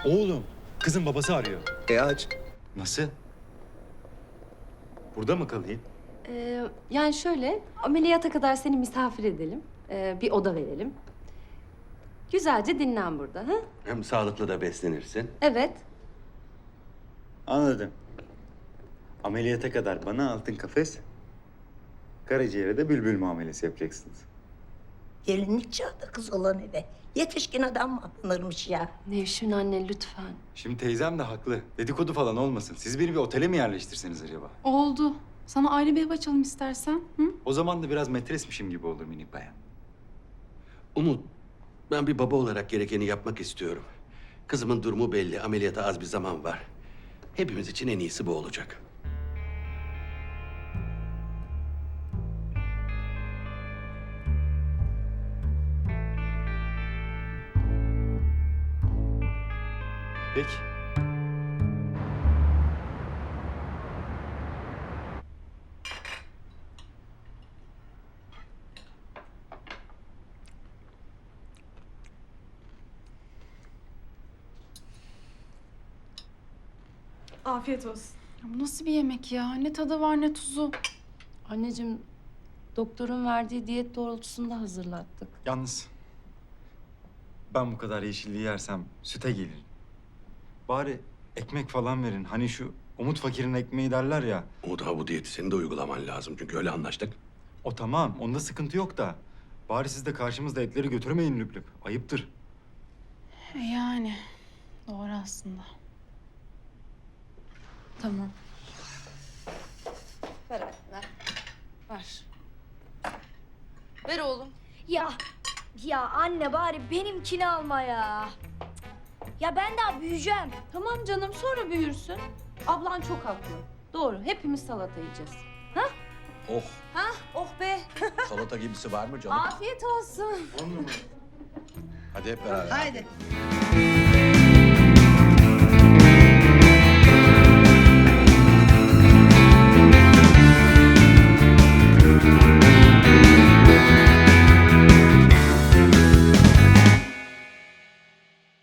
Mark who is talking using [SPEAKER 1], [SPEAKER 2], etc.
[SPEAKER 1] Oğlum, kızın babası arıyor.
[SPEAKER 2] Aç.
[SPEAKER 1] Nasıl? Burada mı kalayım?
[SPEAKER 3] Yani şöyle, ameliyata kadar seni misafir edelim. Bir oda verelim. Güzelce dinlen burada, ha?
[SPEAKER 4] Hem sağlıklı da beslenirsin.
[SPEAKER 3] Evet.
[SPEAKER 1] Anladım. Ameliyata kadar bana altın kafes, karaciğere de bülbül muamelesi yapacaksınız.
[SPEAKER 2] Gelinlik çağda kız olan eve. Yetişkin adam mı alınırmış ya?
[SPEAKER 3] Nevşin anne lütfen.
[SPEAKER 1] Şimdi teyzem de haklı. Dedikodu falan olmasın. Siz beni bir otele mi yerleştirseniz acaba?
[SPEAKER 5] Oldu. Sana ayrı bir ev açalım istersen. Hı?
[SPEAKER 1] O zaman da biraz metresmişim gibi olur minik bayan.
[SPEAKER 4] Umut, ben bir baba olarak gerekeni yapmak istiyorum. Kızımın durumu belli, ameliyata az bir zaman var. Hepimiz için en iyisi bu olacak.
[SPEAKER 1] Peki.
[SPEAKER 6] Afiyet olsun.
[SPEAKER 5] Ya bu nasıl bir yemek ya? Ne tadı var ne tuzu.
[SPEAKER 3] Anneciğim, doktorun verdiği diyet doğrultusunda hazırlattık.
[SPEAKER 1] Yalnız ben bu kadar yeşilliği yersem süte gelirim. Bari ekmek falan verin. Hani şu Umut Fakir'in ekmeği derler ya.
[SPEAKER 4] Umut, ha bu diyeti senin de uygulaman lazım. Çünkü öyle anlaştık.
[SPEAKER 1] O tamam, onda sıkıntı yok da. Bari siz de karşımızda etleri götürmeyin lüp lüp. Ayıptır.
[SPEAKER 5] Yani doğru aslında. Tamam.
[SPEAKER 3] Ver anne, ver. Ver. Ver oğlum.
[SPEAKER 7] Ya anne bari benimkini alma ya. Ya ben daha büyüyeceğim.
[SPEAKER 3] Tamam canım, sonra büyürsün. Ablan çok haklı. Doğru, hepimiz salata yiyeceğiz.
[SPEAKER 8] Oh,
[SPEAKER 3] Oh be,
[SPEAKER 8] salata gibisi var mı canım?
[SPEAKER 3] afiyet olsun.
[SPEAKER 8] Hadi hep beraber.
[SPEAKER 2] Haydi.